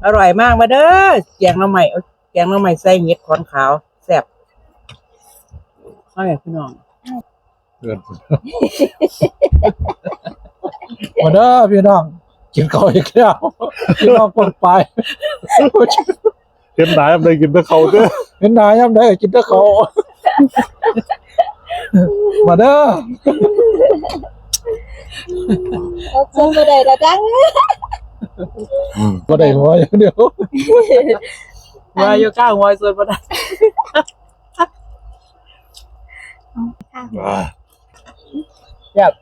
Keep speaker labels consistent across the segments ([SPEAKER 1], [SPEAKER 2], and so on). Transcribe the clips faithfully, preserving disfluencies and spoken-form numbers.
[SPEAKER 1] อร่อยมากมาเด้อแกงหน่อไม้แกงหน่อไม้ใส่เห็ดขอนขาวแซ่บเอาอย่างพี่น้อง
[SPEAKER 2] เกินมาเด้อพี่น้องกินข้าวอีกแล้วพี่น้องคนไป
[SPEAKER 3] เห็นหนาอะไรกินแต่เขาเด้อ
[SPEAKER 2] เห็นนายย่ำได้กินแต่เขามาเด้อ
[SPEAKER 4] เราเจอมาได้ละจัง
[SPEAKER 2] มาได้หัวอย่างเดียว
[SPEAKER 1] ว่าอยู่ข้างหัวส่วนบ่ได้แซ่บ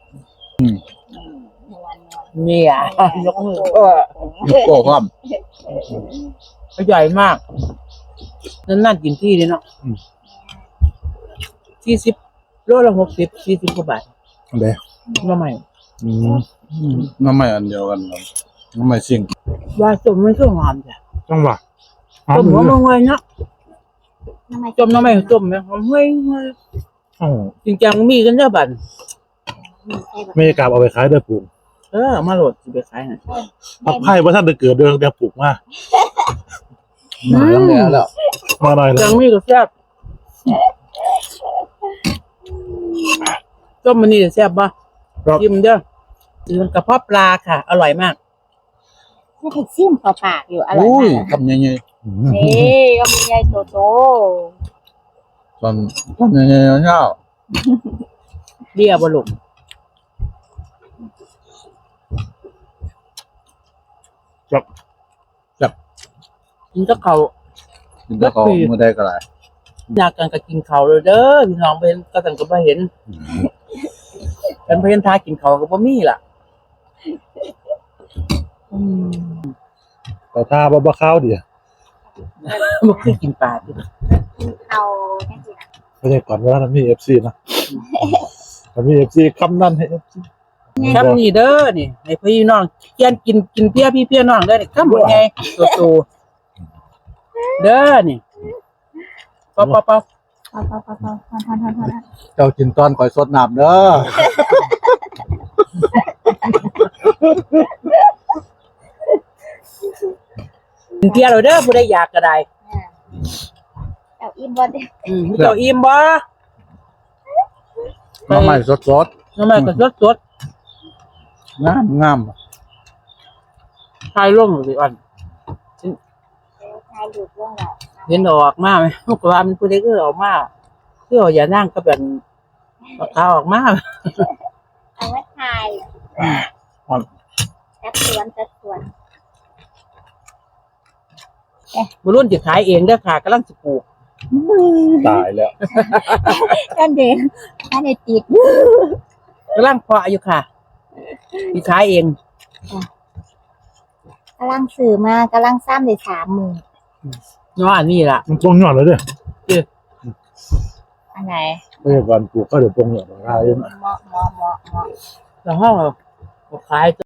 [SPEAKER 1] เนี่ยยกมือก็
[SPEAKER 2] โก้ความ
[SPEAKER 1] ใหญ่มากนั่นนั่นกินที่เลยเนาะสี่สิบโลละหกสิบสี่สิบกว่าบาท
[SPEAKER 2] เด้
[SPEAKER 1] น้ำใหม่
[SPEAKER 2] น้ำใหม่อันเดียวกันน้ำใหม่สิ่ง
[SPEAKER 1] ว่าจมมันก็หอมจ้ะ
[SPEAKER 2] จังหวะ
[SPEAKER 1] จมหัวมังเงยเนาะจมน้ำใหม่จมไหมหอมเฮ้ยจริงจังมีกันเยอะบัน
[SPEAKER 3] ไม่กลับเอาไปขายได้ปลูก
[SPEAKER 1] เออมาโหลดสิไปขายฮะ
[SPEAKER 3] ผักไผ่ว่าท่านจะเกิดเดือนเดียวปลูกมา
[SPEAKER 2] มาแล้วแล้ว
[SPEAKER 3] มาหน่อยแล้ว
[SPEAKER 1] จังมีก็แซ่บต้มมันนี่แซ่บป่ะกินเด้อมันกระเพาะปลาค่ะอร่อยมาก
[SPEAKER 4] ไม่ถึงซิ่มเปล่าปากอยู่อร่อยมาก
[SPEAKER 2] ทำยังไง
[SPEAKER 4] นี่ก็มีใหญ่โตโต
[SPEAKER 2] ทำทำยังไงเนาะ
[SPEAKER 1] เรียบลุก
[SPEAKER 3] จับ
[SPEAKER 2] จับ
[SPEAKER 1] กินกับเขา
[SPEAKER 2] กินกับเขาเมื่อใดก็ได้
[SPEAKER 1] อยากกันก็กินเขาเลยเด้อพี่น้องเป็นก็สั่งก็บ่เห็นเป็นเพื่อนทากินเขาก็บ่มีล่ะ
[SPEAKER 3] ต่อท่าบ่บ่ข้าวเดียว
[SPEAKER 1] บ่คือกินปลาติ
[SPEAKER 4] เอาแค่นี้
[SPEAKER 3] ไม่ใช่ก่อนว่ามี เอฟ ซี นะมี เอฟ ซี คำนั้นให้ เอฟ ซี
[SPEAKER 1] คำนี้เด้อนี่ให้พี่น้องเกียนกินกินเพี้ยพี่เพี้ยน้องเด้อนี่คำบ่ใหญ่โตๆเด้อนี่ป๊อปๆๆ
[SPEAKER 4] เปล่าเปล่าเปล่าเปล่าทอนทอนทอนทอน
[SPEAKER 2] เจ้ากินตอนก่อยสดน้ำเด้อ
[SPEAKER 1] กินเพี้ยเราเด้อผู้ใดอยากก็ได้
[SPEAKER 4] เอาอิ่มบ่เด้
[SPEAKER 1] อืมเจ้าอิ่มบ่
[SPEAKER 2] น้ำใหม่สดสด
[SPEAKER 1] น้ำใหม่ก็สด
[SPEAKER 2] งามงาม
[SPEAKER 1] ๆทายลงสิอ่อน
[SPEAKER 4] ทายดูดลงแล้ว
[SPEAKER 1] เห็นออกมาไหมลูกว่ามันผู้ใดก็ออกมาคือเอาอย่านั่งก็เป็นปากกาออกมา
[SPEAKER 4] เอาไว้ทายจัดสวนจัดสวน
[SPEAKER 1] บุรุษจะขายเองเด้อค่ะกำลังจะปลูก
[SPEAKER 2] ตายแล้ว
[SPEAKER 4] กันเด็กกันเด็กติด
[SPEAKER 1] กำลังเพาะอยู่ค่ะจะขายเอง
[SPEAKER 4] กำลังสื่อมากำลังซ้ำได้สามหมื่น
[SPEAKER 1] ย้อนนี่ล่ะ
[SPEAKER 3] มันตรงยอดเลยเด้อ
[SPEAKER 4] อันไหน
[SPEAKER 3] ไม่ใช่การปลูกก็เดี๋ยวตรงยอดราคาเอง
[SPEAKER 4] เหมาะเหมาะเหมาะเหมาะ
[SPEAKER 1] แล้วห้องขาย